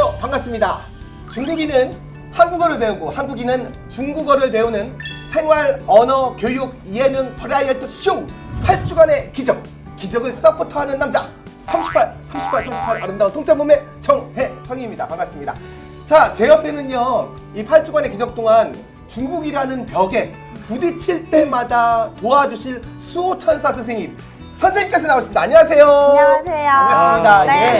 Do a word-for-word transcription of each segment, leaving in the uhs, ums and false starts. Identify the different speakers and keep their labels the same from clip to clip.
Speaker 1: 안녕하세요. 반갑습니다. 중국인은 한국어를 배우고 한국인은 중국어를 배우는 생활 언어 교육 예능 버라이어티 쇼 팔 주간의 기적 기적을 서포터하는 남자 삼십팔, 삼십팔, 삼십팔 아름다운 통짜 몸의 정혜성입니다. 반갑습니다. 자, 제 옆에는요 이 팔 주간의 기적 동안 중국이라는 벽에 부딪힐 때마다 도와주실 수호천사 선생님 선생님께서 나오십니다. 안녕하세요.
Speaker 2: 안녕하세요.
Speaker 1: 반갑습니다.
Speaker 2: 아, 네.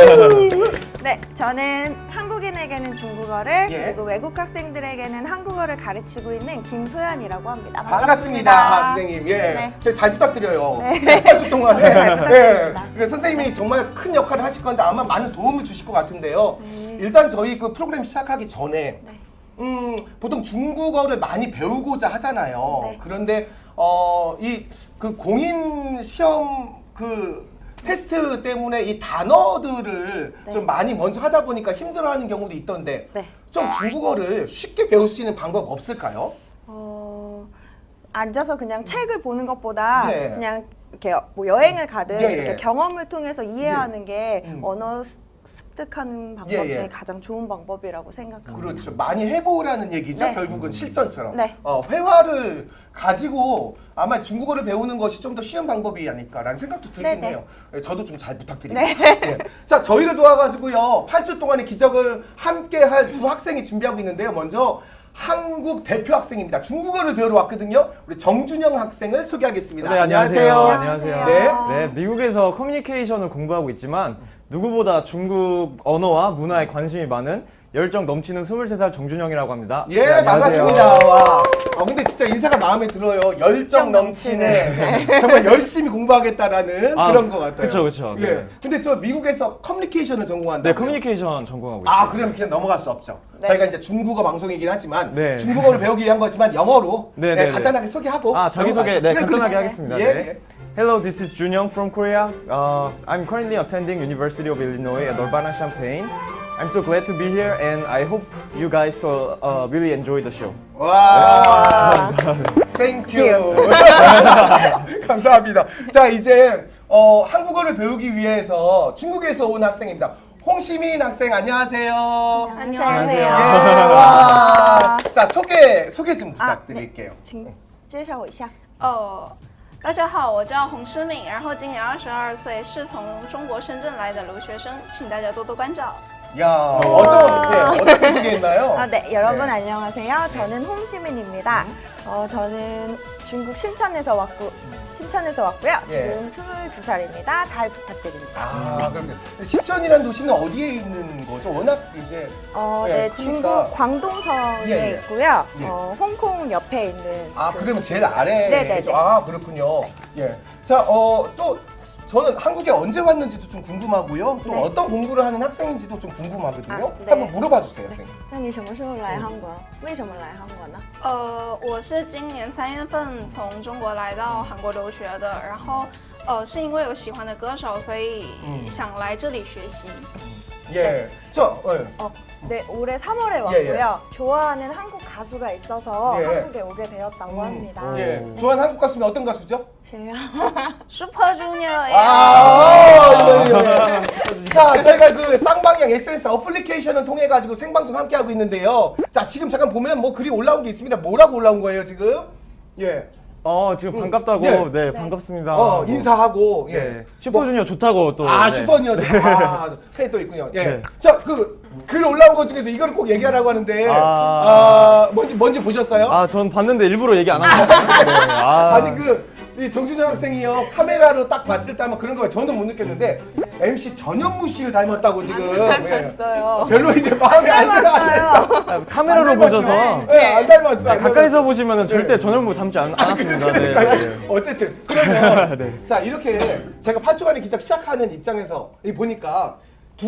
Speaker 1: 예.
Speaker 2: 네, 저는 한국인에게는 중국어를
Speaker 1: 예.
Speaker 2: 그리고 외국 학생들에게는 한국어를 가르치고 있는 김소연이라고 합니다.
Speaker 1: 반갑습니다,
Speaker 2: 반갑습니다.
Speaker 1: 선생님. 예,
Speaker 2: 네.
Speaker 1: 저희 잘 부탁드려요.
Speaker 2: 네.
Speaker 1: 팔 주 동안에.
Speaker 2: 저도 잘 부탁드립니다.
Speaker 1: 예. 선생님이 정말 큰 역할을 하실 건데 아마 많은 도움을 주실 것 같은데요.
Speaker 2: 네.
Speaker 1: 일단 저희 그 프로그램 시작하기 전에
Speaker 2: 네.
Speaker 1: 음, 보통 중국어를 많이 배우고자 하잖아요.
Speaker 2: 네.
Speaker 1: 그런데 어, 이 그 공인 시험 그 테스트 때문에 이 단어들을
Speaker 2: 네.
Speaker 1: 좀 많이 먼저 하다 보니까 힘들어하는 경우도 있던데
Speaker 2: 네.
Speaker 1: 좀 중국어를 쉽게 배울 수 있는 방법 없을까요?
Speaker 2: 어, 앉아서 그냥 책을 보는 것보다
Speaker 1: 네.
Speaker 2: 그냥 이렇게 뭐 여행을 가든
Speaker 1: 예, 예.
Speaker 2: 이렇게 경험을 통해서 이해하는 게
Speaker 1: 음.
Speaker 2: 언어 습- 습득하는 방법
Speaker 1: 예,
Speaker 2: 중에
Speaker 1: 예.
Speaker 2: 가장 좋은 방법이라고 생각합니다.
Speaker 1: 그렇죠. 많이 해보라는 얘기죠.
Speaker 2: 네.
Speaker 1: 결국은 실전처럼.
Speaker 2: 네.
Speaker 1: 어, 회화를 가지고 아마 중국어를 배우는 것이 좀 더 쉬운 방법이 아닐까라는 생각도 들긴
Speaker 2: 네, 네.
Speaker 1: 해요. 예, 저도 좀 잘 부탁드립니다.
Speaker 2: 네.
Speaker 1: 예. 자, 저희를 도와가지고요. 팔 주 동안의 기적을 함께 할 두 학생이 준비하고 있는데요. 먼저 한국 대표 학생입니다. 중국어를 배우러 왔거든요. 우리 정준영 학생을 소개하겠습니다.
Speaker 3: 네, 안녕하세요.
Speaker 2: 안녕하세요.
Speaker 3: 안녕하세요. 네, 미국에서 커뮤니케이션을 공부하고 있지만 누구보다 중국 언어와 문화에 관심이 많은 열정 넘치는 스물세 살 정준영이라고 합니다.
Speaker 1: 예,
Speaker 3: 네, 안녕하세요.
Speaker 1: 반갑습니다. 와. 어, 근데 진짜 인사가 마음에 들어요. 열정 넘치는. 정말 열심히 공부하겠다라는
Speaker 3: 아,
Speaker 1: 그런 것 같아요.
Speaker 3: 그쵸, 그쵸.
Speaker 1: 예.
Speaker 3: 네.
Speaker 1: 근데 저 미국에서 커뮤니케이션을 전공한다.
Speaker 3: 네, 커뮤니케이션 전공하고 있어요.
Speaker 1: 아, 그럼 그냥 넘어갈 수 없죠.
Speaker 2: 네.
Speaker 1: 저희가 이제 중국어 방송이긴 하지만
Speaker 3: 네.
Speaker 1: 중국어를 배우기 위한 거지만 영어로
Speaker 3: 네,
Speaker 1: 네,
Speaker 3: 네,
Speaker 1: 간단하게 소개하고
Speaker 3: 아, 자기소개 네,
Speaker 1: 넘어가죠.
Speaker 3: 간단하게
Speaker 1: 그렇죠.
Speaker 3: 하겠습니다.
Speaker 1: 예,
Speaker 3: 네.
Speaker 1: 예.
Speaker 3: Hello, this is Junyoung from Korea. Uh, I'm currently attending University of Illinois at Urbana-Champaign. I'm so glad to be here and I hope you guys to uh, really enjoy the show.
Speaker 1: 와, 땡큐. 감사합니다. 자, 이제 어, 한국어를 배우기 위해서 중국에서 온 학생입니다. 홍시민 학생 안녕하세요.
Speaker 2: 안녕하세요.
Speaker 1: 예, 와. 자, 소개 소개 좀 부탁드릴게요.
Speaker 2: 请介绍我一下。
Speaker 4: 哦，大家好，我叫洪诗敏，然后今年二十二岁，是从中国深圳来的留学生，请大家多多关照。
Speaker 1: 야, 어떤 네, 어떻게 소개했나요?
Speaker 2: 아, 네, 여러분
Speaker 1: 네.
Speaker 2: 안녕하세요. 저는 홍시민입니다. 어, 저는 중국 신천에서 왔고 신천에서 왔고요.
Speaker 1: 예.
Speaker 2: 지금 스물두 살입니다. 잘 부탁드립니다.
Speaker 1: 아, 그럼 신천이라는 도시는 어디에 있는 거죠? 워낙 이제
Speaker 2: 어,
Speaker 1: 예,
Speaker 2: 네,
Speaker 1: 크니까.
Speaker 2: 중국 광동성에
Speaker 1: 예, 예.
Speaker 2: 있고요.
Speaker 1: 예.
Speaker 2: 어, 홍콩 옆에 있는.
Speaker 1: 아,
Speaker 2: 그-
Speaker 1: 그러면 제일 아래에
Speaker 2: 네네네.
Speaker 1: 있죠. 아, 그렇군요. 예. 자, 어, 또 저는 한국에 언제 왔는지도 좀 궁금하고요. 또
Speaker 2: 네.
Speaker 1: 어떤 공부를 하는 학생인지도 좀 궁금하거든요.
Speaker 2: 아, 네.
Speaker 1: 한번 물어봐 주세요, 선생님.
Speaker 2: 那你什么时候来韩国？为什么来韩国呢？
Speaker 4: 呃，我是今年三月份从中国来到韩国留学的，然后呃是因为有喜欢的歌手，所以
Speaker 1: 嗯
Speaker 4: 想来这里学习。
Speaker 1: 예. 저, 예.
Speaker 2: 어, 네, 올해 삼월에
Speaker 1: 예,
Speaker 2: 왔고요.
Speaker 1: 예.
Speaker 2: 좋아하는 한국 가수가 있어서
Speaker 1: 예.
Speaker 2: 한국에 오게 되었다고 합니다.
Speaker 1: 예. 좋아하는 한국 가수는 어떤 가수죠?
Speaker 2: 제가
Speaker 4: Super Junior
Speaker 1: 아, 이거요. 자, 저희가 그 쌍방향 에스엔에스 어플리케이션을 통해 가지고 생방송 함께 하고 있는데요. 자, 지금 잠깐 보면 뭐 글이 올라온 게 있습니다. 뭐라고 올라온 거예요, 지금? 예.
Speaker 3: 어, 지금 반갑다고.
Speaker 1: 네.
Speaker 3: 네, 반갑습니다.
Speaker 1: 어,
Speaker 3: 하고.
Speaker 1: 인사하고 예.
Speaker 3: 네. 슈퍼주니어 좋다고 또.
Speaker 1: 아,
Speaker 3: 네.
Speaker 1: 슈퍼니어. 아, 팬이 또 있군요. 예.
Speaker 3: 네.
Speaker 1: 자, 그 글 올라온 것 중에서 이걸 꼭 얘기하라고 하는데 아,
Speaker 3: 아.
Speaker 1: 뭔지 뭔지 보셨어요?
Speaker 3: 아, 전 봤는데 일부러 얘기 안 하셨어요. 네. 아.
Speaker 1: 아니 그 이 정준영 학생이요 카메라로 딱 봤을 때 아마 그런 거 저는 못 느꼈는데 엠씨 전현무 씨를 닮았다고 지금 예.
Speaker 2: 닮았어요.
Speaker 1: 별로 이제 마음에 안 들어.
Speaker 2: 닮았어요.
Speaker 3: 아, 카메라로
Speaker 1: 안 닮았죠?
Speaker 3: 보셔서
Speaker 1: 예, 안 닮았어.
Speaker 3: 네,
Speaker 1: 안
Speaker 3: 가까이서
Speaker 1: 닮았어.
Speaker 3: 보시면 절대 전현무 닮지 않, 않았습니다. 네,
Speaker 1: 그러니까요.
Speaker 3: 네.
Speaker 1: 어쨌든 그러면
Speaker 3: 네.
Speaker 1: 자 이렇게 제가 팔 주간의 기적 시작하는 입장에서 이 보니까 두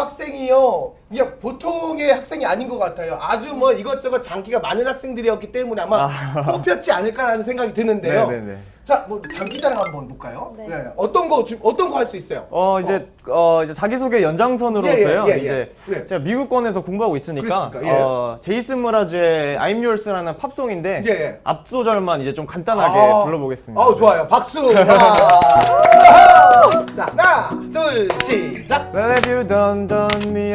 Speaker 1: 학생이요 그냥 보통의 학생이 아닌 것 같아요. 아주 뭐 이것저것 장기가 많은 학생들이었기 때문에 아마
Speaker 3: 아.
Speaker 1: 뽑혔지 않을까라는 생각이 드는데요.
Speaker 3: 네, 네, 네.
Speaker 1: 자, 뭐 장기자랑 한번 볼까요?
Speaker 2: 네.
Speaker 1: 네. 어떤 거 주- 어떤 거 할 수 있어요?
Speaker 3: 어 이제 어, 이제 자기소개 연장선으로서요.
Speaker 1: 예, 예, 예, 예.
Speaker 3: 이제
Speaker 1: 네.
Speaker 3: 제가 미국권에서 공부하고 있으니까
Speaker 1: 그랬으니까, 예.
Speaker 3: 어, 제이슨 무라즈의 I'm Yours라는 팝송인데
Speaker 1: 예, 예.
Speaker 3: 앞소절만 이제 좀 간단하게
Speaker 1: 아.
Speaker 3: 불러보겠습니다.
Speaker 1: 아우 좋아요. 박수. 자, 자, 하나, 둘, 시작.
Speaker 3: Well, have you done, done me and your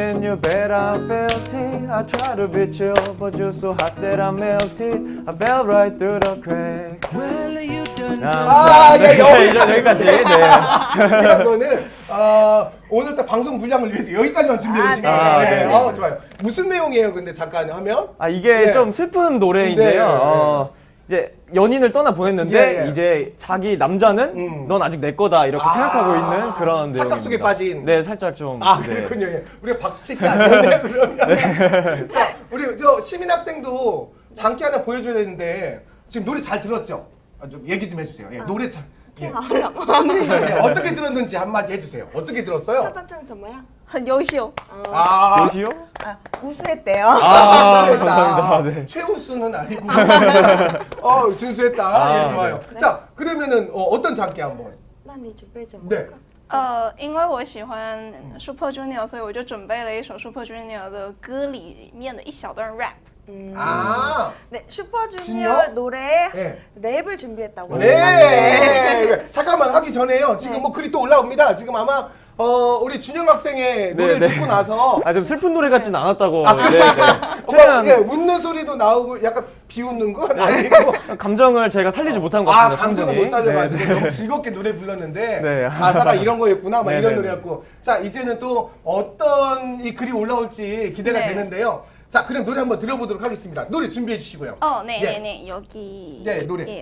Speaker 3: bad I felt it. I tried to be chill, but you're so hot that I melted. I fell right through the cracks.
Speaker 1: 아, 예,
Speaker 3: 네,
Speaker 1: 여기-
Speaker 3: 이제 여기까지. 네.
Speaker 1: 이런 거는 어, 오늘 딱 방송 분량을 위해서 여기까지만 준비했습니다.
Speaker 3: 아, 네.
Speaker 1: 네.
Speaker 3: 네.
Speaker 1: 어, 좋아요. 무슨 내용이에요? 근데 잠깐 하면
Speaker 3: 아 이게
Speaker 1: 네.
Speaker 3: 좀 슬픈 노래인데요.
Speaker 1: 네.
Speaker 3: 어, 이제 연인을 떠나 보냈는데
Speaker 1: 예, 예.
Speaker 3: 이제 자기 남자는
Speaker 1: 음.
Speaker 3: 넌 아직 내 거다 이렇게
Speaker 1: 아,
Speaker 3: 생각하고 있는 그런 내용입니다.
Speaker 1: 착각 속에 빠진.
Speaker 3: 네, 살짝 좀.
Speaker 1: 아,
Speaker 3: 네.
Speaker 1: 그렇군요. 예. 우리가 박수 칠게 아니었네 그러면. 자, 우리 저 시민 학생도 장기 하나 보여줘야 되는데 지금 노래 잘 들었죠? 아, 좀 얘기 좀 해주세요. 예, 노래 잘. 예. 예, 어떻게 들었는지 한마디 해주세요. 어떻게 들었어요?
Speaker 2: 첫째 정말요?
Speaker 4: 很优秀。
Speaker 1: 아,
Speaker 3: 요시요?
Speaker 2: 아, 우수했대요.
Speaker 3: 아,
Speaker 1: 준수했다.
Speaker 3: 감사합니다. 네.
Speaker 1: 최우수는 아니고. 어, 준수했다.
Speaker 3: 아,
Speaker 1: 예, 좋아요.
Speaker 2: 네.
Speaker 1: 자, 그러면은 어, 어떤 장기 한번.
Speaker 2: 那你准备怎么？
Speaker 1: 네.
Speaker 4: 呃，因为我喜欢 Super Junior，所以我就准备了一首 Super Junior 的歌里面的一小段 rap。
Speaker 2: 음.
Speaker 1: 아,
Speaker 2: 네, 슈퍼주니어
Speaker 1: 주니어?
Speaker 2: 노래에
Speaker 1: 네.
Speaker 2: 랩을 준비했다고
Speaker 1: 네.
Speaker 2: 합니다.
Speaker 1: 네. 잠깐만 하기 전에요. 지금
Speaker 2: 네.
Speaker 1: 뭐 글이 또 올라옵니다. 지금 아마 어, 우리 준영 학생의 노래
Speaker 3: 네,
Speaker 1: 듣고
Speaker 3: 네.
Speaker 1: 나서
Speaker 3: 아 좀 슬픈 노래 같진 않았다고.
Speaker 1: 아,
Speaker 3: 네, 네.
Speaker 1: 어,
Speaker 3: 최대한
Speaker 1: 예, 웃는 소리도 나오고 약간 비웃는 건 아니고
Speaker 3: 감정을 제가 살리지 못한 것
Speaker 1: 아,
Speaker 3: 같습니다.
Speaker 1: 감정을
Speaker 3: 충분히.
Speaker 1: 못 살려가지고
Speaker 3: 네, 네.
Speaker 1: 너무 즐겁게 노래 불렀는데
Speaker 3: 네.
Speaker 1: 가사가 이런 거였구나 막
Speaker 3: 네,
Speaker 1: 이런
Speaker 3: 네,
Speaker 1: 노래였고 자 이제는 또 어떤 이 글이 올라올지 기대가
Speaker 4: 네.
Speaker 1: 되는데요. 자 그럼 노래 한번 들어보도록 하겠습니다. 노래 준비해 주시고요.
Speaker 4: 어, 네,
Speaker 1: 예.
Speaker 4: 네, 네, 여기.
Speaker 1: 네, 노래.
Speaker 4: 예요.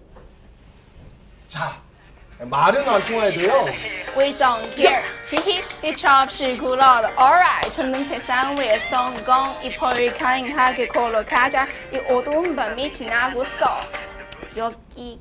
Speaker 1: 자 말은 안 통해야 돼요.
Speaker 4: We don't care， 嘻嘻，一唱是古老的 alright， 천능 태산 위에 성공， 이 포를 강하게 걸어가자， 이 어두운 밤이 지나고서 여기.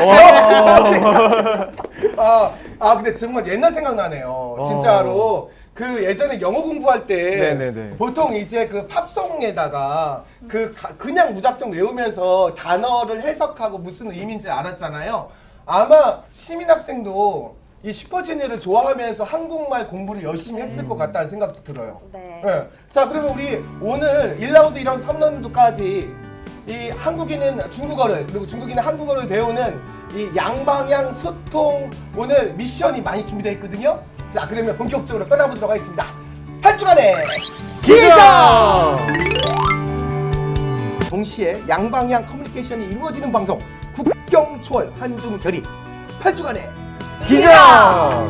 Speaker 1: 아, 아 근데 정말 옛날 생각나네요. 진짜로 그 예전에 영어 공부할 때
Speaker 3: 네네네.
Speaker 1: 보통 이제 그 팝송에다가 그 가- 그냥 무작정 외우면서 단어를 해석하고 무슨 의미인지 알았잖아요. 아마 시민 학생도 이 슈퍼주니어를 좋아하면서 한국말 공부를 열심히 했을 것 같다는 생각도 들어요.
Speaker 2: 네.
Speaker 1: 네. 자 그러면 우리 오늘 일 라운드, 이 라운드, 삼 라운드까지 이 한국인은 중국어를 그리고 중국인은 한국어를 배우는 이 양방향 소통 오늘 미션이 많이 준비되어 있거든요. 자 그러면 본격적으로 떠나보도록 하겠습니다. 한 주간의 기자! 동시에 양방향 커뮤니케이션이 이루어지는 방송 국경초월 한중결의 팔 주간의
Speaker 3: 기자!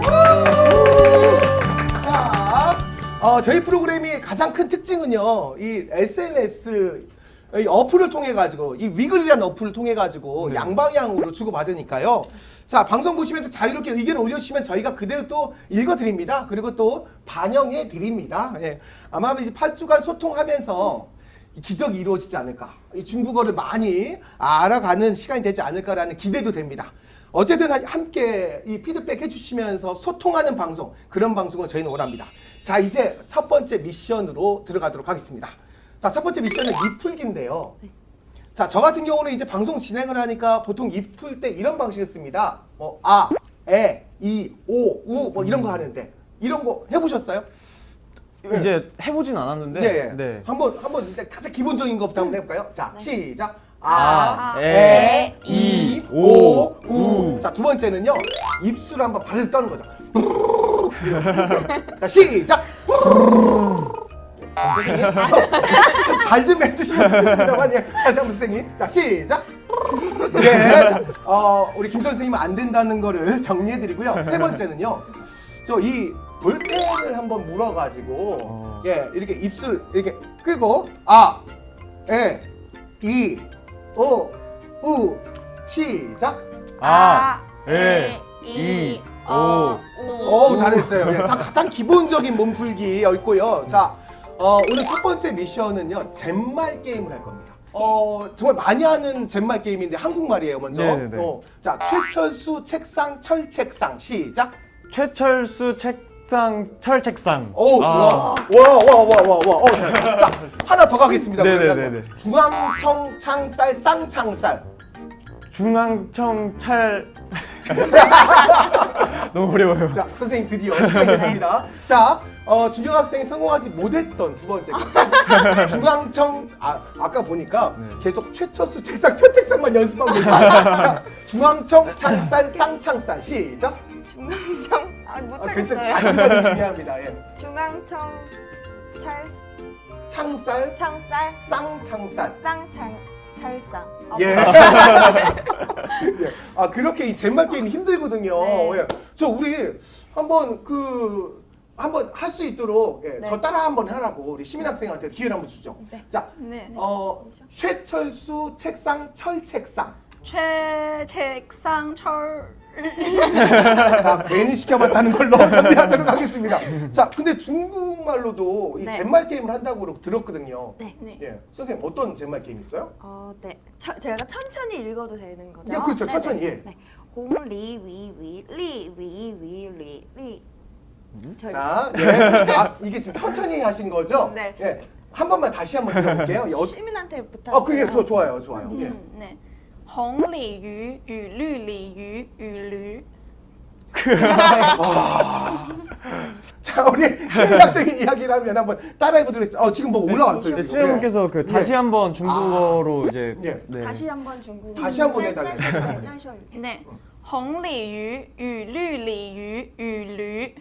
Speaker 1: 자, 어, 저희 프로그램이 가장 큰 특징은요, 이 에스엔에스 이 어플을 통해 가지고 이 위글이라는 어플을 통해 가지고
Speaker 3: 네.
Speaker 1: 양방향으로 주고 받으니까요. 자 방송 보시면서 자유롭게 의견을 올려주시면 저희가 그대로 또 읽어드립니다. 그리고 또 반영해 드립니다. 예. 아마 이제 팔 주간 소통하면서 이 기적이 이루어지지 않을까. 이 중국어를 많이 알아가는 시간이 되지 않을까라는 기대도 됩니다. 어쨌든 하- 함께 이 피드백 해주시면서 소통하는 방송 그런 방송을 저희는 원합니다. 자 이제 첫 번째 미션으로 들어가도록 하겠습니다. 자, 첫 번째 미션은 입풀기인데요. 자, 저 같은 경우는 이제 방송 진행을 하니까 보통 입풀 때 이런 방식을 씁니다. 뭐, 아, 에, 이, 오, 우, 뭐 이런 거 하는데, 이런 거 해보셨어요?
Speaker 3: 이제 해보진 않았는데.
Speaker 1: 네.
Speaker 3: 네.
Speaker 1: 한번, 한번 일단 가장 기본적인 것부터 한번 해볼까요? 자, 시작.
Speaker 3: 아,
Speaker 1: 아,
Speaker 3: 에,
Speaker 1: 에,
Speaker 3: 이,
Speaker 1: 이,
Speaker 3: 오,
Speaker 1: 오, 우. 자, 두 번째는요. 입술 한번 발을 떠는 거죠. 자, 시작. 잘 좀 해주시면 좋겠습니다만 예. 다시 한번 선생님 자 시작 예, 자, 어, 우리 김 선생님은 안 된다는 거를 정리해드리고요 세 번째는요 저 이 볼펜을 한번 물어가지고
Speaker 3: 어.
Speaker 1: 예 이렇게 입술 이렇게 끄고 아, 에, 이, 오, 우 시작
Speaker 3: 아, 에,
Speaker 4: 에,
Speaker 3: 이, 오,
Speaker 4: 오,
Speaker 1: 오 잘했어요. 예, 자, 가장 기본적인 몸풀기였고요. 자, 어, 오늘 첫 번째 미션은요 젠말 게임을 할 겁니다. 어, 정말 많이 하는 젠말 게임인데 한국말이에요 먼저.
Speaker 3: 네네네.
Speaker 1: 어, 자, 최철수 책상 철책상 시작.
Speaker 3: 최철수 책상, 철 책상.
Speaker 1: 오,
Speaker 3: 아.
Speaker 1: 와, 와, 와, 와, 와, 와. 어, 자, 자, 하나 더 가겠습니다.
Speaker 3: 네네네네.
Speaker 1: 그러면. 중앙청 창살 쌍창살.
Speaker 3: 중앙청 찰. 너무 어려워요.
Speaker 1: 자, 선생님 드디어 시간이 됐습니다. 자, 어, 준영 학생이 성공하지 못했던 두 번째 거. 중앙청, 아, 아까 보니까
Speaker 3: 네.
Speaker 1: 계속 최철수 책상, 첫 책상만 연습하고 계세요. 자, 중앙청, 창살, 쌍창살. 시작.
Speaker 2: 중앙청 아
Speaker 1: 아,
Speaker 2: 못하겠어요.
Speaker 1: 괜찮, 자신감이 중요합니다. 예.
Speaker 2: 중앙청 철
Speaker 1: 창쌀,
Speaker 2: 창쌀
Speaker 1: 쌍창쌀.
Speaker 2: 쌍창 철상. 어,
Speaker 1: 예. 예. 아 그렇게 이 젠말 게임이 힘들거든요.
Speaker 2: 네.
Speaker 1: 예. 저 우리 한번 그 한번 할 수 있도록 예.
Speaker 2: 네.
Speaker 1: 저 따라 한번 하라고 우리 시민 학생한테 기회를 한번 주죠.
Speaker 2: 네.
Speaker 1: 자,
Speaker 4: 네.
Speaker 1: 어 쇠철수 책상 철책상.
Speaker 4: 최 책상 철.
Speaker 1: 자 괜히 시켜봤다는 걸로 정리하도록 하겠습니다. 자 근데 중국말로도 이
Speaker 2: 네.
Speaker 1: 젠말 게임을 한다고 들었거든요.
Speaker 2: 네.
Speaker 4: 네.
Speaker 1: 예, 선생님 어떤 젠말 게임 있어요?
Speaker 2: 어, 네. 저, 제가 천천히 읽어도 되는 거죠?
Speaker 1: 예, 그렇죠.
Speaker 2: 네,
Speaker 1: 천천히,
Speaker 2: 네.
Speaker 1: 예.
Speaker 2: 네. 홍리위위리위위리.
Speaker 1: 자, 예. 아 이게 지금 천천히 하신 거죠?
Speaker 2: 네.
Speaker 1: 예. 한 번만 다시 한번 들어볼게요. 여-
Speaker 2: 시민한테 부탁.
Speaker 1: 어, 그게 좋, 좋아요, 좋아요. 예.
Speaker 4: 음, 네. 红鲤鱼与绿鲤鱼与驴。
Speaker 1: 자, 우리 시민 학생의 이야기를 하면 한번 따라해보도록 하겠습니다. 어, 지금 뭐 올라왔어요.
Speaker 3: 네,
Speaker 1: 지금.
Speaker 3: 수영님께서 그 다시
Speaker 1: 예.
Speaker 3: 한번 중국어로 이제
Speaker 1: 예.
Speaker 3: 네.
Speaker 2: 다시 한번 중국.
Speaker 1: 다시 한번 해달래요. 다시 한번.
Speaker 2: 再说一遍。
Speaker 4: 对，红鲤鱼与绿鲤鱼与驴。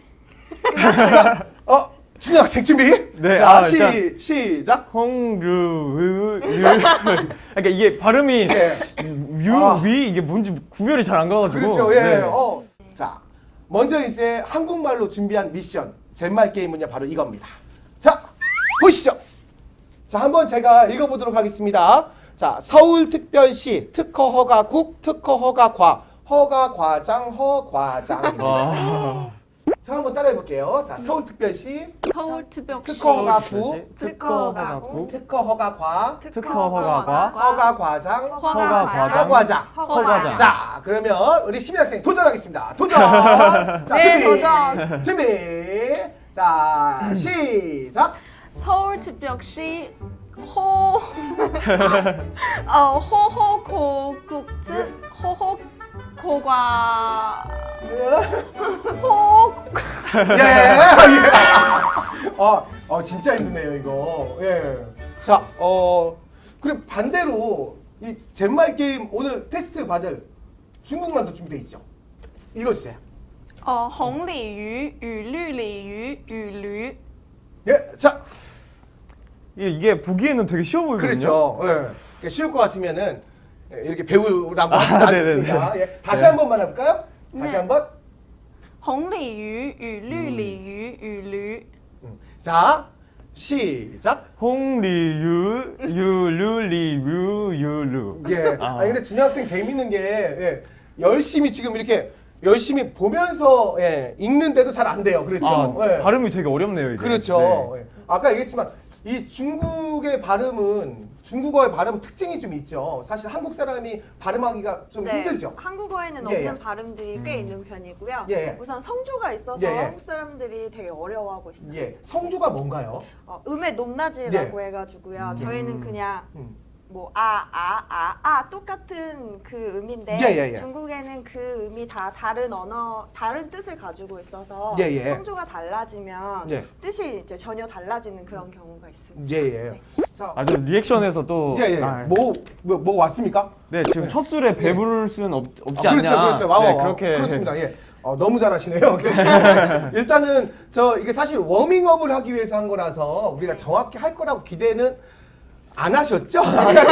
Speaker 1: 어, 준영 학생 준비?
Speaker 3: 네,
Speaker 1: 자,
Speaker 3: 아,
Speaker 1: 시,
Speaker 3: 일단-
Speaker 1: 시작.
Speaker 3: 홍르 그러니까 이게 발음이
Speaker 1: 예.
Speaker 3: 유,
Speaker 1: 아.
Speaker 3: 위 이게 뭔지 구별이 잘 안 가가지고.
Speaker 1: 그렇죠. 예.
Speaker 3: 네.
Speaker 1: 어. 자, 먼저 이제 한국말로 준비한 미션 젠말 게임은요 바로 이겁니다. 자, 보시죠. 자, 한번 제가 읽어보도록 하겠습니다. 자, 서울특별시 특허 허가국 특허 허가과 허가 과장 허과장입니다.
Speaker 3: 와.
Speaker 1: 자, 한번 따라해볼게요. 자, 서울특별시
Speaker 4: 서울특별시
Speaker 1: 특허 허가부
Speaker 3: 특허 허가국
Speaker 1: 특허 허가과
Speaker 3: 특허 허가과
Speaker 1: 허가과장
Speaker 4: 허가과장
Speaker 1: 허과장.
Speaker 3: 허가장.
Speaker 1: 자, 그러면 우리 시민 학생 도전하겠습니다. 도전. 자,
Speaker 4: 네,
Speaker 1: 준비.
Speaker 4: 도전.
Speaker 1: 준비. 자, 시작.
Speaker 4: 서울특별시 호 어, 호호고국즈 호호고과 호
Speaker 1: 예. 예. 어, 어, 진짜 힘드네요, 이거. 예. 자, 어, 그럼 반대로 이 젠말 게임 오늘 테스트 받을 중국말도 준비돼 있죠. 읽어주세요.
Speaker 4: 呃，红鲤鱼与绿鲤鱼与驴。
Speaker 1: 예, 자,
Speaker 3: 이게, 이게 보기에는 되게 쉬워 보이거든요.
Speaker 1: 그렇죠. 예. 그러니까 쉬울 것 같으면은 이렇게 배우라고 하지
Speaker 3: 아,
Speaker 1: 않습니다. 예. 다시
Speaker 3: 네.
Speaker 1: 한 번만 해볼까요? 다시
Speaker 4: 네.
Speaker 1: 한 번.
Speaker 4: 红鲤鱼与绿鲤鱼与驴。
Speaker 1: 음. 자, 시작.
Speaker 3: 홍리유 유르리유 유루.
Speaker 1: 예.
Speaker 3: 아.
Speaker 1: 아니 근데 준영 학생 재밌는 게 예. 열심히 지금 이렇게 열심히 보면서 예. 읽는데도 잘 안 돼요. 그렇죠.
Speaker 3: 아,
Speaker 1: 예.
Speaker 3: 발음이 되게 어렵네요, 이게.
Speaker 1: 그렇죠.
Speaker 3: 네.
Speaker 1: 예. 아까 얘기했지만 이 중국의 발음은 중국어의 발음 특징이 좀 있죠. 사실 한국 사람이 발음하기가 좀
Speaker 2: 네,
Speaker 1: 힘들죠.
Speaker 2: 한국어에는
Speaker 1: 예,
Speaker 2: 없는
Speaker 1: 예.
Speaker 2: 발음들이 꽤 있는 편이고요.
Speaker 1: 예, 예.
Speaker 2: 우선 성조가 있어서
Speaker 1: 예, 예.
Speaker 2: 한국 사람들이 되게 어려워하고 있어요.
Speaker 1: 예. 성조가 뭔가요?
Speaker 2: 어, 음의 높낮이라고 해가지고요. 저희는 그냥
Speaker 1: 음.
Speaker 2: 뭐 아, 아, 아, 아 똑같은 그 음인데
Speaker 1: 예, 예, 예.
Speaker 2: 중국에는 그 음이 다 다른 언어, 다른 뜻을 가지고 있어서
Speaker 1: 예, 예.
Speaker 2: 성조가 달라지면
Speaker 1: 예.
Speaker 2: 뜻이 이제 전혀 달라지는 그런 경우가 있습니다.
Speaker 1: 예, 예. 자,
Speaker 3: 아주 리액션에서 또.
Speaker 1: 예, 예.
Speaker 3: 아,
Speaker 1: 뭐, 뭐, 뭐 왔습니까?
Speaker 3: 네, 지금 첫 술에 배부를 수는 없, 없지
Speaker 1: 아,
Speaker 3: 않냐.
Speaker 1: 그렇죠, 그렇죠. 와,
Speaker 3: 네,
Speaker 1: 와, 와.
Speaker 3: 그렇게.
Speaker 1: 그렇습니다. 예. 어, 너무 잘하시네요. 일단은 저 이게 사실 워밍업을 하기 위해서 한 거라서 우리가 정확히 할 거라고 기대는 안 하셨죠?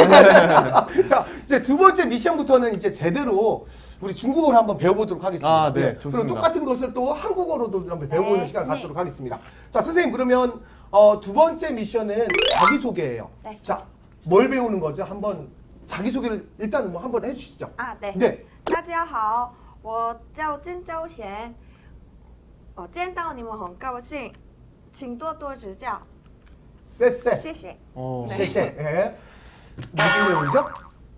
Speaker 1: 자, 이제 두 번째 미션부터는 이제 제대로 우리 중국어를 한번 배워보도록 하겠습니다.
Speaker 3: 아, 네,
Speaker 1: 예.
Speaker 3: 좋습니다.
Speaker 1: 그리고 똑같은 것을 또 한국어로도 한번 배워보는
Speaker 2: 네.
Speaker 1: 시간을 갖도록 하겠습니다. 자, 선생님 그러면 어, 두 번째 미션은 자기소개예요.
Speaker 2: 네.
Speaker 1: 자, 뭘 배우는 거죠? 한번 자기소개를 일단 뭐 한번 해주시죠.
Speaker 2: 아, 네.
Speaker 1: 네.
Speaker 2: 大家好，我叫金周贤。哦，见到你们很高兴，请多多指教，
Speaker 1: 쎄쎄.
Speaker 2: 谢谢。
Speaker 3: 어.
Speaker 2: 네.
Speaker 1: 쎄쎄. 예. 무슨 내용이죠?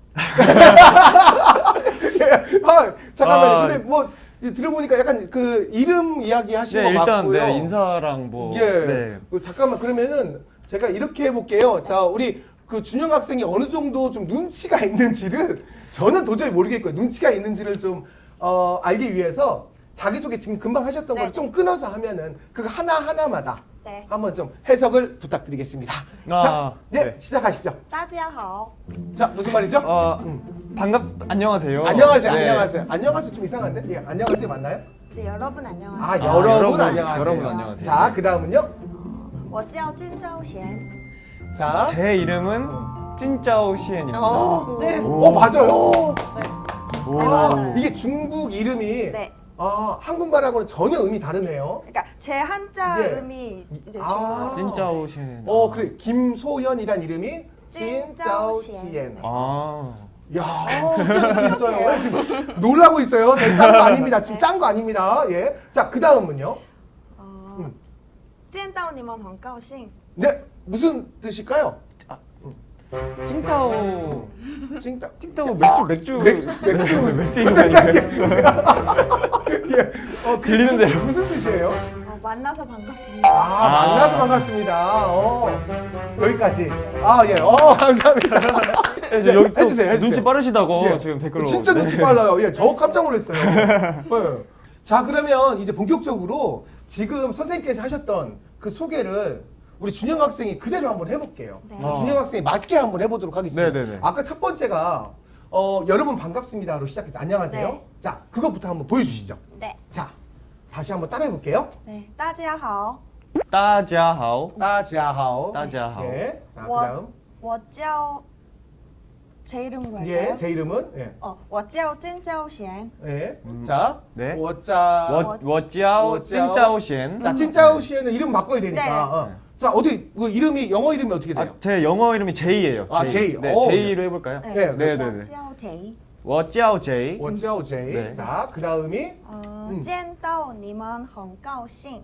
Speaker 1: 예. 아, 잠깐만요.
Speaker 3: 아.
Speaker 1: 근데 뭐 이 들어보니까 약간 그 이름 이야기 하신
Speaker 3: 네,
Speaker 1: 것
Speaker 3: 일단
Speaker 1: 같고요.
Speaker 3: 네, 인사랑 뭐.
Speaker 1: 예.
Speaker 3: 네.
Speaker 1: 그 잠깐만 그러면은 제가 이렇게 해볼게요. 자, 우리 그 준영 학생이 어느 정도 좀 눈치가 있는지를 저는 도저히 모르겠고요. 눈치가 있는지를 좀 어, 알기 위해서 자기소개 지금 금방 하셨던
Speaker 2: 네.
Speaker 1: 걸 좀 끊어서 하면은 그거 하나 하나마다
Speaker 2: 네.
Speaker 1: 한번 좀 해석을 부탁드리겠습니다.
Speaker 3: 아,
Speaker 1: 자, 네,
Speaker 3: 네.
Speaker 1: 시작하시죠.
Speaker 2: 大家好，
Speaker 1: 자, 무슨 말이죠?
Speaker 3: 어, 반갑, 안녕하세요.
Speaker 1: 안녕하세요,
Speaker 3: 네.
Speaker 1: 안녕하세요. 안녕하세요 좀 이상한데? 예, 안녕하세요 맞나요?
Speaker 2: 네, 여러분 안녕하세요.
Speaker 1: 아,
Speaker 3: 아,
Speaker 1: 여러분,
Speaker 3: 여러분,
Speaker 1: 안녕하세요.
Speaker 3: 여러분 안녕하세요.
Speaker 1: 자, 그 다음은요?
Speaker 2: 我叫金昭贤.
Speaker 1: 자,
Speaker 3: 제 이름은 찐짜오 시엔입니다.
Speaker 2: 어, 네.
Speaker 1: 어 맞아요.
Speaker 2: 네.
Speaker 3: 오.
Speaker 1: 아, 이게 중국 이름이
Speaker 2: 네.
Speaker 1: 아, 한국말하고는 전혀 의미 다르네요.
Speaker 2: 그러니까 제 한자
Speaker 1: 예.
Speaker 2: 음이 이제
Speaker 1: 아.
Speaker 2: 중국어.
Speaker 3: 찐짜오 시엔.
Speaker 1: 어 그래 김소연이란 이름이
Speaker 2: 찐짜오시엔.
Speaker 1: 찐짜오시엔.
Speaker 3: 아.
Speaker 1: 야 진짜 느낌 있어요. 지금 놀라고 있어요. 저희 짠 거 아닙니다. 지금 짠 거 아닙니다. 예. 자, 그 다음은요.
Speaker 2: 어,
Speaker 1: 음.
Speaker 2: 见到你们很高兴.
Speaker 1: 네, 무슨 뜻일까요?
Speaker 3: 찐따오.
Speaker 1: 찐따.
Speaker 3: 찐따오 맥주 맥주
Speaker 1: 맥주, 맥주.
Speaker 3: 맥주 인간이에요.
Speaker 1: 예. 어, 그
Speaker 3: 들리는 대로.
Speaker 1: 무슨, 무슨 뜻이에요?
Speaker 2: 어, 만나서 반갑습니다.
Speaker 1: 아,
Speaker 3: 아.
Speaker 1: 만나서 반갑습니다. 어, 여기까지. 아, 예. 어, 감사합니다.
Speaker 3: 네, 저 여기 또
Speaker 1: 해주세요, 해주세요.
Speaker 3: 눈치 빠르시다고
Speaker 1: 예.
Speaker 3: 지금 댓글로.
Speaker 1: 진짜 눈치
Speaker 3: 네.
Speaker 1: 빨라요. 예, 저 깜짝 놀랐어요. 예. 자, 그러면 이제 본격적으로 지금 선생님께서 하셨던 그 소개를 우리 준영 학생이 그대로 한번 해볼게요.
Speaker 2: 네.
Speaker 1: 우리 준영 학생이 맞게 한번 해보도록 하겠습니다.
Speaker 3: 네네네.
Speaker 1: 아까 첫 번째가 어, 여러분 반갑습니다로 시작해서 안녕하세요.
Speaker 2: 네.
Speaker 1: 자, 그것부터 한번 보여주시죠.
Speaker 2: 네.
Speaker 1: 자, 다시 한번 따라해 볼게요.
Speaker 2: 네. 大家好.
Speaker 3: 따자하오.
Speaker 1: 따지하오.
Speaker 3: 따지하오.
Speaker 1: 예. 자,
Speaker 2: 워-
Speaker 1: 그다음
Speaker 2: 워叫 제 이름으로 할까요?
Speaker 1: 예, 제 이름은 예.
Speaker 2: 어, 我叫金昭贤.
Speaker 1: 예. 자,
Speaker 3: 네.
Speaker 1: 워짜.
Speaker 3: 워 워짜오
Speaker 1: 워짜오.
Speaker 3: 찐짜오 시엔.
Speaker 1: 자, 찐짜오 씨에는 이름 바꿔야 되니까.
Speaker 2: 네.
Speaker 1: 어. 자, 어디 그 이름이 영어 이름이 어떻게 돼요?
Speaker 3: 아, 제 영어 이름이 제이예요.
Speaker 1: 아, 제이.
Speaker 3: 네,
Speaker 1: 오.
Speaker 3: 제이로 해볼까요?
Speaker 1: 네,
Speaker 3: 네, 네,
Speaker 2: 我
Speaker 3: 네.
Speaker 2: 叫 제이.
Speaker 3: 워짜오 제이.
Speaker 1: 워짜오 제이.
Speaker 3: 네.
Speaker 1: 자, 그다음이
Speaker 2: 어,
Speaker 1: 음.
Speaker 2: 见到你们很高兴.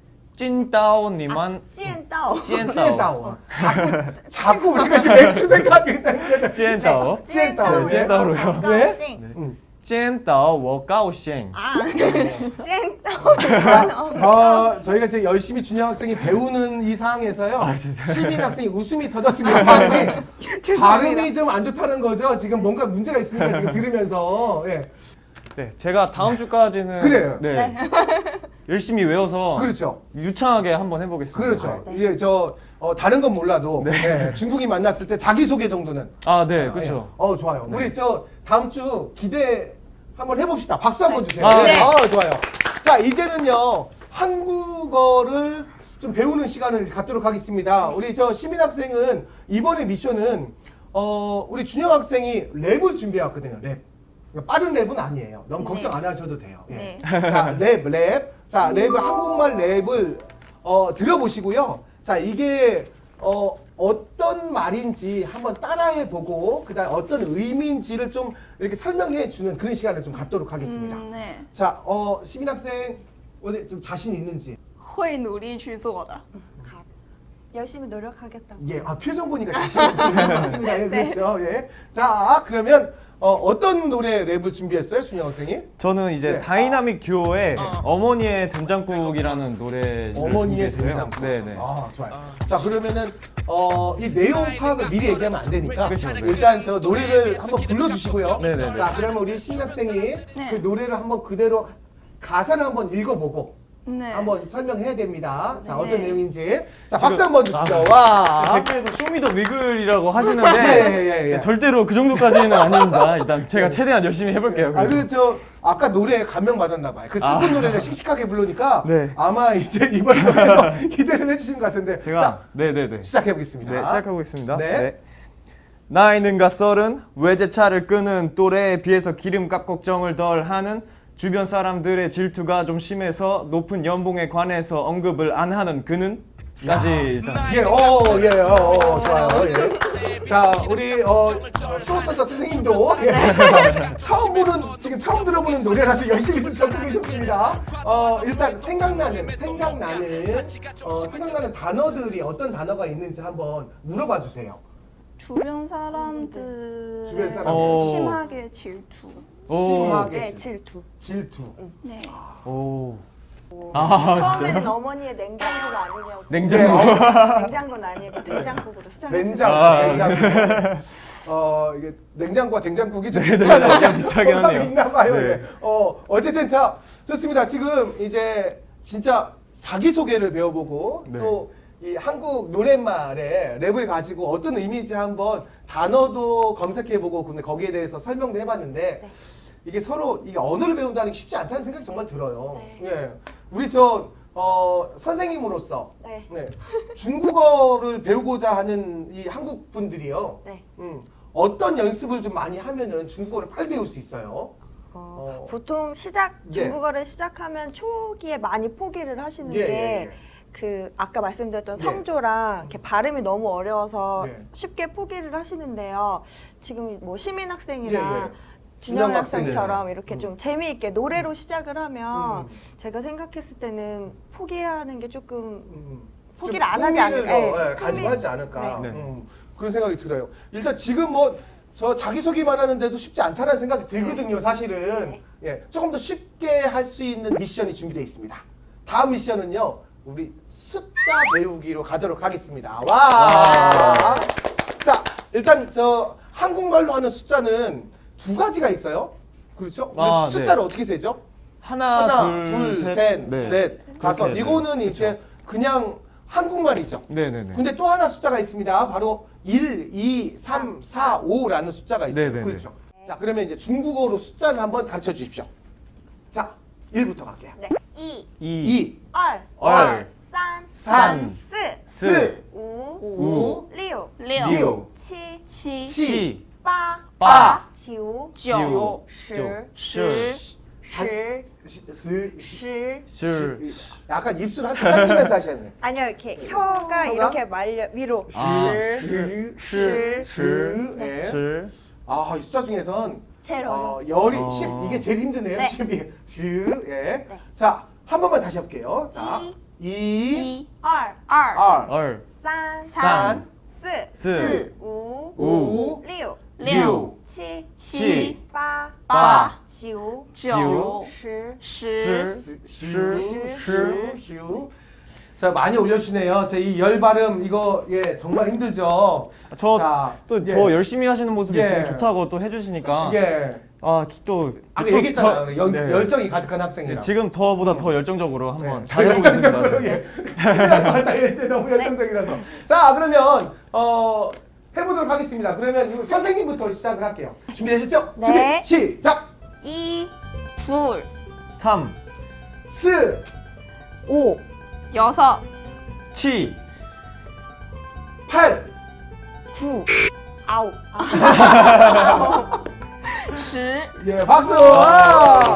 Speaker 3: 찐따오 니만
Speaker 2: 见到.
Speaker 3: 찐따오.
Speaker 1: 찐따오. 자꾸 자꾸 우리가 지금 맥주 생각이 나는데.
Speaker 3: 찐따오.
Speaker 2: 见到你们很高兴.
Speaker 1: 음.
Speaker 3: 찐따오 워가오셴.
Speaker 2: 아, 见到你们
Speaker 1: 어, 저희가 지금 열심히 준영 학생이 배우는 이 상황에서요.
Speaker 3: 아, 진짜요?
Speaker 1: 시민 학생이 웃음이 터졌습니다. 발음이 발음이 좀 안 좋다는 거죠. 지금 뭔가 문제가 있으니까 지금 들으면서. 예.
Speaker 3: 네, 제가 다음 주까지는
Speaker 1: 그래요.
Speaker 3: 네. 열심히 외워서
Speaker 1: 그렇죠.
Speaker 3: 유창하게 한번 해보겠습니다.
Speaker 1: 그렇죠.
Speaker 2: 네.
Speaker 1: 예, 저 어, 다른 건 몰라도 예, 중국이 만났을 때 자기 소개 정도는.
Speaker 3: 아, 네,
Speaker 1: 예.
Speaker 3: 그렇죠.
Speaker 1: 어, 좋아요. 우리 저 다음 주 기대 한번 해봅시다. 박수 한번 주세요.
Speaker 3: 아,
Speaker 1: 네.
Speaker 3: 네.
Speaker 1: 아, 좋아요. 자, 이제는요 한국어를 좀 배우는 시간을 갖도록 하겠습니다. 우리 저 시민 학생은 이번에 미션은 어, 우리 준영 학생이 랩을 준비해왔거든요. 랩. 그러니까 빠른 랩은 아니에요. 너무
Speaker 2: 네.
Speaker 1: 걱정 안 하셔도 돼요. 예.
Speaker 2: 네.
Speaker 1: 자, 랩, 랩. 자, 랩을 한국말 랩을 어, 들어보시고요. 자, 이게 어, 어떤 말인지 한번 따라해 보고 그다음 어떤 의미인지를 좀 이렇게 설명해 주는 그런 시간을 좀 갖도록 하겠습니다.
Speaker 4: 음, 네.
Speaker 1: 자, 어, 시민 학생 어디 좀 자신 있는지.
Speaker 4: 会努力去做的.
Speaker 2: 열심히 노력하겠다고.
Speaker 1: 예, 아, 표정 보니까 자신 있는 것 같습니다. 예, 그렇죠. 예. 자, 그러면 어, 어떤 노래 랩을 준비했어요, 준영 학생이?
Speaker 3: 저는 이제
Speaker 1: 네.
Speaker 3: 다이나믹 듀오의 어머니의 된장국이라는 노래.
Speaker 1: 어머니의 된장국.
Speaker 3: 네, 네.
Speaker 1: 아, 좋아요. 자, 그러면은 어, 이 내용 파악을 미리 얘기하면 안 되니까
Speaker 3: 그렇죠, 네.
Speaker 1: 일단 저 노래를 한번 불러주시고요.
Speaker 3: 네, 네, 네.
Speaker 1: 자, 그러면 우리 신 학생이 그 노래를 한번 그대로 가사를 한번 읽어보고
Speaker 4: 네.
Speaker 1: 한번 설명해야 됩니다. 자,
Speaker 2: 네.
Speaker 1: 어떤 내용인지. 자, 박수 한번 주시죠.
Speaker 3: 아,
Speaker 1: 와.
Speaker 3: 댓글에서 쇼미더 위글이라고 하시는데
Speaker 1: 예, 예, 예.
Speaker 3: 절대로 그 정도까지는 아닙니다. 일단 제가 최대한 열심히 해볼게요.
Speaker 1: 아, 그리고 저 아까 노래에 감명 받았나 봐요. 그 슬픈
Speaker 3: 아.
Speaker 1: 노래를 씩씩하게 부르니까
Speaker 3: 네.
Speaker 1: 아마 이제 이번 노래도 기대를 해주시는 것 같은데.
Speaker 3: 제가
Speaker 1: 자,
Speaker 3: 네네네.
Speaker 1: 시작해 보겠습니다.
Speaker 3: 네, 시작하겠습니다.
Speaker 1: 네.
Speaker 3: 네. 나이는가 서른 외제차를 끄는 또래에 비해서 기름값 걱정을 덜 하는 주변 사람들의 질투가 좀 심해서 높은 연봉에 관해서 언급을 안 하는 그는 까지 일단
Speaker 1: 예, 어, 예, 어, 어, 좋아요. 예. 자, 우리 어, 수호천사 선생님도 예. 처음 보는 지금 처음 들어보는 노래라서 열심히 좀 적고 계셨습니다. 어, 일단 생각나는 생각나는 어, 생각나는 단어들이 어떤 단어가 있는지 한번 물어봐 주세요.
Speaker 4: 주변 사람들
Speaker 1: 주변 사람들.
Speaker 3: 어.
Speaker 4: 심하게 질투.
Speaker 3: 오.
Speaker 1: 심하게
Speaker 2: 네, 질투.
Speaker 1: 질투.
Speaker 4: 네.
Speaker 3: 오. 아,
Speaker 2: 처음에는 어머니의 냉장고가 아니냐고.
Speaker 3: 냉장고.
Speaker 1: 네,
Speaker 2: 냉장고는 아니고 냉장국으로 시작했어요.
Speaker 1: 냉장,
Speaker 3: 아,
Speaker 1: 냉장고. 어, 이게 냉장고와 된장국이 좀
Speaker 3: 네,
Speaker 1: 비슷한
Speaker 3: 네, 약간 비슷하긴
Speaker 1: 호감이
Speaker 3: 하네요.
Speaker 1: 있나 봐요.
Speaker 3: 네.
Speaker 1: 예. 어, 어쨌든 자, 좋습니다. 지금 이제 진짜 자기소개를 배워보고
Speaker 3: 네.
Speaker 1: 또 이 한국 노랫말의 랩을 가지고 어떤 의미인지 한번 단어도 검색해보고 근데 거기에 대해서 설명도 해봤는데
Speaker 2: 네.
Speaker 1: 이게 서로 이게 언어를 배운다는 게 쉽지 않다는 생각이 정말 들어요.
Speaker 2: 네.
Speaker 1: 예. 우리 저 어, 선생님으로서
Speaker 2: 네.
Speaker 1: 네, 중국어를 배우고자 하는 이 한국 분들이요.
Speaker 2: 네.
Speaker 1: 음, 어떤 연습을 좀 많이 하면은 중국어를 빨리 배울 수 있어요.
Speaker 2: 어,
Speaker 1: 어.
Speaker 2: 보통 시작
Speaker 1: 예.
Speaker 2: 중국어를 시작하면 초기에 많이 포기를 하시는
Speaker 1: 예,
Speaker 2: 게
Speaker 1: 예, 예.
Speaker 2: 그 아까 말씀드렸던
Speaker 1: 예.
Speaker 2: 성조랑 이렇게 발음이 너무 어려워서
Speaker 1: 예.
Speaker 2: 쉽게 포기를 하시는데요. 지금 뭐 시민 학생이나
Speaker 1: 예, 예.
Speaker 2: 준영
Speaker 1: 준영
Speaker 2: 학생처럼
Speaker 1: 학생이네.
Speaker 2: 이렇게
Speaker 1: 음.
Speaker 2: 좀 재미있게 노래로 시작을 하면
Speaker 1: 음.
Speaker 2: 제가 생각했을 때는 포기하는 게 조금
Speaker 1: 음,
Speaker 2: 포기를
Speaker 1: 좀
Speaker 2: 안 하지
Speaker 1: 흥미를
Speaker 2: 않을까.
Speaker 1: 더,
Speaker 2: 예,
Speaker 1: 예, 가지고
Speaker 2: 흥미-
Speaker 1: 하지 않을까.
Speaker 3: 네.
Speaker 1: 음, 그런 생각이 들어요. 일단 지금 뭐 저 자기소개만 하는데도 쉽지 않다는 생각이 들거든요, 사실은.
Speaker 2: 네.
Speaker 1: 예, 조금 더 쉽게 할 수 있는 미션이 준비되어 있습니다. 다음 미션은요, 우리 숫자 배우기로 가도록 하겠습니다. 와! 자, 일단 저 한국말로 하는 숫자는 두 가지가 있어요. 그렇죠? 우리
Speaker 3: 아,
Speaker 1: 숫자를
Speaker 3: 네.
Speaker 1: 어떻게 세죠?
Speaker 3: 하나,
Speaker 1: 하나,
Speaker 3: 둘,
Speaker 1: 둘,
Speaker 3: 셋,
Speaker 1: 셋,
Speaker 3: 네.
Speaker 1: 넷, 다섯.
Speaker 3: 그렇게,
Speaker 1: 이거는
Speaker 3: 네.
Speaker 1: 이제 그냥 한국말이죠.
Speaker 3: 네네네.
Speaker 1: 근데 또 하나 숫자가 있습니다. 바로 일, 이, 삼, 사, 오라는 숫자가 있어요.
Speaker 3: 네네네.
Speaker 1: 그렇죠. 자, 그러면 이제 중국어로 숫자를 한번 가르쳐 주십시오. 자, 일부터 갈게요.
Speaker 2: 네. 이,
Speaker 3: 이,
Speaker 1: 이,
Speaker 2: 알,
Speaker 3: 알,
Speaker 2: 산,
Speaker 1: 산,
Speaker 2: 스,
Speaker 1: 스,
Speaker 2: 우,
Speaker 1: 우,
Speaker 2: 六、
Speaker 4: 六、
Speaker 1: 육,
Speaker 2: 七、
Speaker 4: 七、
Speaker 1: 칠,
Speaker 2: 八、
Speaker 3: 八、
Speaker 2: 九、
Speaker 4: 九、
Speaker 2: 十、
Speaker 3: 十、
Speaker 2: 十、
Speaker 1: 시, 스, 시,
Speaker 2: 十。
Speaker 3: 실,
Speaker 1: 약간 입술 한쪽 당기면서 하셨네.
Speaker 2: 아니요, 이렇게 혀가 이렇게 말려 위로.
Speaker 3: 아,
Speaker 2: 시,
Speaker 1: 시,
Speaker 2: 시,
Speaker 1: 시, 예.
Speaker 3: 실,
Speaker 1: 아, 이 숫자 중에선
Speaker 2: 제일
Speaker 1: 어,
Speaker 2: 어려워.
Speaker 1: 열이
Speaker 3: 어.
Speaker 1: 십 이게 제일 힘드네요.
Speaker 2: 네.
Speaker 1: 십이. 슈, 예.
Speaker 2: 네.
Speaker 1: 자, 한 번만 다시 해볼게요. 자, 이,
Speaker 4: 一、
Speaker 2: 二、
Speaker 4: 二、
Speaker 1: 알,
Speaker 3: 얼,
Speaker 2: 산,
Speaker 1: 산,
Speaker 2: 四、
Speaker 3: 스,
Speaker 2: 五、
Speaker 1: 우,
Speaker 2: 六、
Speaker 4: 六、
Speaker 2: 七、
Speaker 4: 七、
Speaker 2: 八、
Speaker 4: 八、
Speaker 2: 九、
Speaker 4: 九、
Speaker 2: 十、
Speaker 4: 十、
Speaker 1: 스,
Speaker 3: 슈,
Speaker 1: 슈, 슈. 자, 많이 올려주시네요. 제 이 열 발음 이거 예 정말 힘들죠. 자,
Speaker 3: 저 또 저
Speaker 1: 예.
Speaker 3: 열심히 하시는 모습이
Speaker 1: 예.
Speaker 3: 되게 좋다고 또 해주시니까
Speaker 1: 예.
Speaker 3: 아또
Speaker 1: 아까 얘기했잖아요. 연, 열정이 가득한 학생이라.
Speaker 3: 지금 저보다 더 열정적으로 한번
Speaker 1: 네.
Speaker 3: 잘해보겠습니다.
Speaker 1: 열정적으로 예. 맞다. 이제 너무 열정적이라서. 자, 그러면 어 해보도록 하겠습니다. 그러면 이거 선생님부터 시작을 할게요. 준비되셨죠?
Speaker 2: 네.
Speaker 1: 준비 시작.
Speaker 2: 一、
Speaker 4: 둘,
Speaker 3: 삼,
Speaker 1: 스,
Speaker 2: 오、
Speaker 4: 여섯,
Speaker 3: 치,
Speaker 1: 팔,
Speaker 2: 九、아홉.
Speaker 4: 십,
Speaker 1: 예, 박수. 와.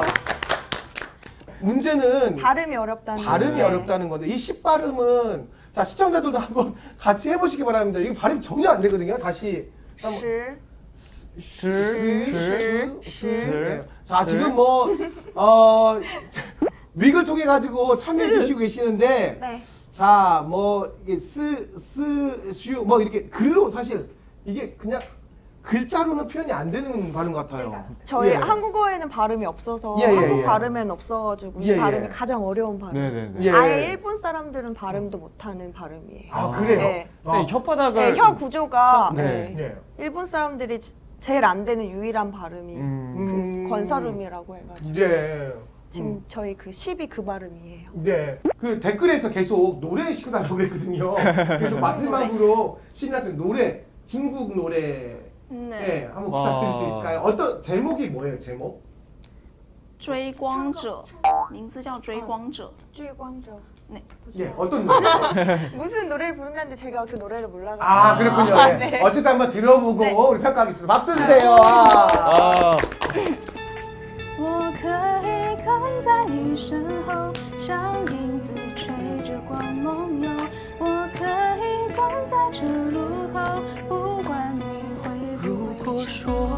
Speaker 1: 문제는
Speaker 2: 발음이 어렵다는
Speaker 1: 발음이
Speaker 2: 게.
Speaker 1: 어렵다는 건데 이 십 발음은 자 시청자들도 한번 같이 해보시기 바랍니다. 이거 발음이 전혀 안 되거든요. 다시 한번.
Speaker 2: 十、
Speaker 3: 실, 실,
Speaker 1: 실. 자 지금 뭐 어, 윅을 통해 가지고 참여해 주시고 계시는데
Speaker 2: 네.
Speaker 1: 자 뭐 이게 스스슈 뭐 이렇게 글로 사실 이게 그냥 글자로는 표현이 안 되는 발음 같아요.
Speaker 2: 저희
Speaker 1: 예.
Speaker 2: 한국어에는 발음이 없어서
Speaker 1: 예, 예,
Speaker 2: 한국
Speaker 1: 예.
Speaker 2: 발음에는 없어가지고
Speaker 1: 예,
Speaker 2: 이 발음이
Speaker 1: 예.
Speaker 2: 가장 어려운 발음.
Speaker 3: 네네네.
Speaker 1: 예.
Speaker 2: 아예 일본 사람들은 발음도 못하는 발음이에요.
Speaker 1: 아 그래요?
Speaker 2: 네.
Speaker 1: 아,
Speaker 3: 네, 혓바닥을
Speaker 2: 네, 혀 구조가
Speaker 3: 네.
Speaker 2: 네.
Speaker 1: 네.
Speaker 2: 일본 사람들이 지- 제일 안 되는 유일한 발음이
Speaker 3: 음,
Speaker 1: 음.
Speaker 2: 그 건설음이라고 해가지고
Speaker 1: 네.
Speaker 2: 지금
Speaker 1: 음.
Speaker 2: 저희 그 십이 그 발음이에요.
Speaker 1: 네. 그 댓글에서 계속 노래 시고 달라고 했거든요. 그래서 마지막으로 신나는 노래, 중국 노래 네,
Speaker 4: 네.
Speaker 1: 한번
Speaker 3: 와.
Speaker 1: 부탁드릴 수 있을까요? 어떤 제목이 뭐예요, 제목?
Speaker 4: 追光者，名字叫追光者。
Speaker 2: 주의광저.
Speaker 1: 예, 어떤 노래?
Speaker 2: 무슨 노래를 부른다는데 제가 그 노래를 몰라가지고.
Speaker 1: 아, 그렇군요. 예.
Speaker 2: 네.
Speaker 1: 어쨌든 한번 들어보고
Speaker 2: 네.
Speaker 1: 우리 평가하겠습니다. 박수 주세요. 아.
Speaker 3: 아,
Speaker 4: 我可以跟在你身后，像影子吹着光梦游。我可以等在这路口，不管你会不会说。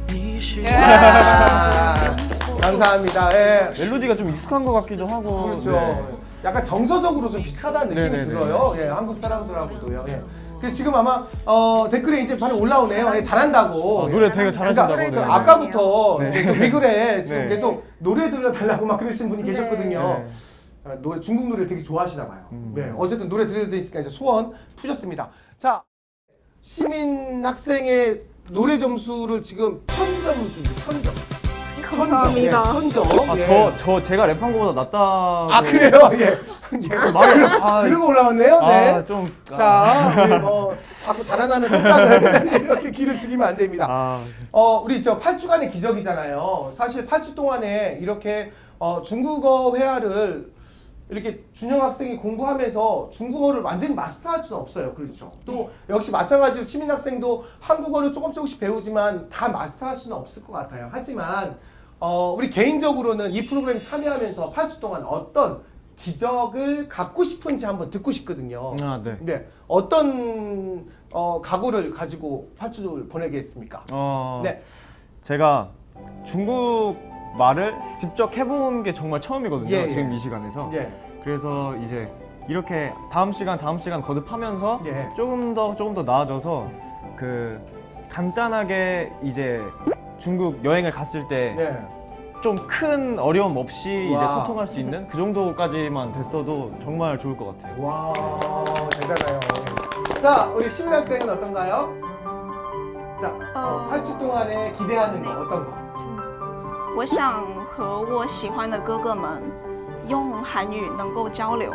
Speaker 1: 아, 감사합니다. 예.
Speaker 3: 멜로디가 좀 익숙한 것 같기도 하고.
Speaker 1: 그렇죠.
Speaker 3: 네.
Speaker 1: 약간 정서적으로 좀 비슷하다는 느낌이
Speaker 3: 네네네.
Speaker 1: 들어요. 예, 한국 사람들하고도요. 예. 그 지금 아마 어, 댓글에 이제 바로 올라오네요. 예, 잘한다고.
Speaker 3: 아, 노래 되게 잘하신다고.
Speaker 1: 그러니까,
Speaker 3: 네.
Speaker 1: 그 아까부터
Speaker 3: 네.
Speaker 1: 계속 위글에 지금
Speaker 3: 네.
Speaker 1: 계속 노래 들려달라고 막 그러시는 분이 계셨거든요.
Speaker 3: 네.
Speaker 1: 아, 노래 중국 노래를 되게 좋아하시나 봐요.
Speaker 3: 음.
Speaker 1: 네, 어쨌든 노래 들려드리니까 이제 소원 푸셨습니다. 자, 시민 학생의 노래 점수를 지금 천 점을 줍니다. 천 점.
Speaker 2: 감사합니다.
Speaker 1: 천 점.
Speaker 3: 아,
Speaker 1: 예.
Speaker 3: 저, 저 제가 랩한 거보다 낫다고.
Speaker 1: 아 그래요? 예. 예.
Speaker 3: 말을, 아,
Speaker 1: 그러고 올라왔네요. 네.
Speaker 3: 아, 좀.
Speaker 1: 자, 우리 뭐 자꾸 자라나는 새싹을 이렇게 기를 죽이면 안 됩니다.
Speaker 3: 아,
Speaker 1: 어, 우리 저 팔 주간의 기적이잖아요. 사실 팔 주 동안에 이렇게 어, 중국어 회화를 이렇게 준영 학생이 공부하면서 중국어를 완전히 마스터할 수는 없어요. 그렇죠. 또 역시 마찬가지로 시민 학생도 한국어를 조금 조금씩 배우지만 다 마스터할 수는 없을 것 같아요. 하지만 어, 우리 개인적으로는 이 프로그램 참여하면서 팔 주 동안 어떤 기적을 갖고 싶은지 한번 듣고 싶거든요.
Speaker 3: 아, 네.
Speaker 1: 네. 어떤 어, 각오를 가지고 팔 주를 보내겠습니까?
Speaker 3: 어,
Speaker 1: 네.
Speaker 3: 제가 중국 말을 직접 해본 게 정말 처음이거든요.
Speaker 1: 예, 예.
Speaker 3: 지금 이 시간에서.
Speaker 1: 예.
Speaker 3: 그래서 이제 이렇게 다음 시간 다음 시간 거듭하면서
Speaker 1: 예.
Speaker 3: 조금 더 조금 더 나아져서 그 간단하게 이제 중국 여행을 갔을 때
Speaker 1: 네.
Speaker 3: 좀 큰 어려움 없이 이제
Speaker 1: 와.
Speaker 3: 소통할 수 있는 그 정도까지만 됐어도 정말 좋을 것 같아요.
Speaker 1: 와, 대단해요. 자, 우리 시민 학생은 어떤가요? 자, 어,
Speaker 4: 어.
Speaker 1: 팔 주 동안에 기대하는 거
Speaker 4: 네.
Speaker 1: 어떤 거?
Speaker 4: 我想和我喜欢的哥哥们用韩语能够交流。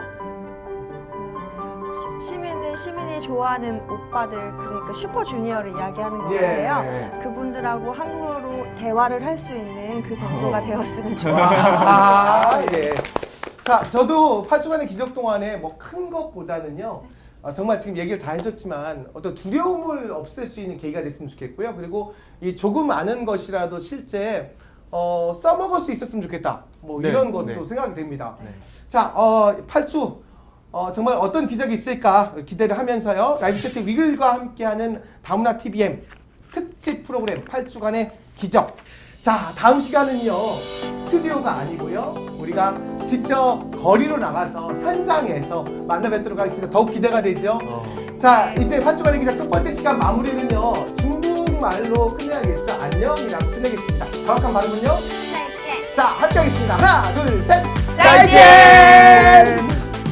Speaker 2: 시- 시민이 시민이 좋아하는 오빠들 그러니까 슈퍼주니어를 이야기하는 것
Speaker 1: 예,
Speaker 2: 같아요.
Speaker 1: 예.
Speaker 2: 그분들하고 한국어로 대화를 할 수 있는 그 정도가 되었으면 좋겠어요.
Speaker 1: 아, 예. 자, 저도 팔 주간의 기적 동안에 뭐 큰 것보다는요. 아, 정말 지금 얘기를 다 해줬지만 어떤 두려움을 없앨 수 있는 계기가 됐으면 좋겠고요. 그리고 이 조금 아는 것이라도 실제 어, 써먹을 수 있었으면 좋겠다. 뭐
Speaker 3: 네,
Speaker 1: 이런 것도
Speaker 3: 네.
Speaker 1: 생각이 됩니다.
Speaker 3: 네.
Speaker 1: 자, 어, 팔 주 어, 정말 어떤 기적이 있을까 기대를 하면서요. 라이브 채팅 위글과 함께하는 다문화 티비엠 특집 프로그램 팔 주간의 기적. 자, 다음 시간은요. 스튜디오가 아니고요. 우리가 직접 거리로 나가서 현장에서 만나 뵙도록 하겠습니다. 더욱 기대가 되죠.
Speaker 3: 어.
Speaker 1: 자, 이제 팔 주간의 기적 첫 번째 시간 마무리는요. 중국말로 끝내야겠죠. 안녕이라고 끝내겠습니다. 정확한 발음은요.
Speaker 2: 再见。
Speaker 1: 자, 함께 하겠습니다. 하나, 둘, 셋.
Speaker 2: 再见.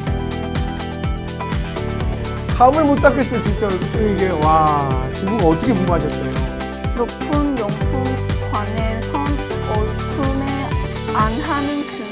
Speaker 1: 감을 못 잡겠어요, 진짜. 이게, 와, 중국어 어떻게 공부하셨어요?
Speaker 4: 높은 용품 관에서 얼품에 안 하는 그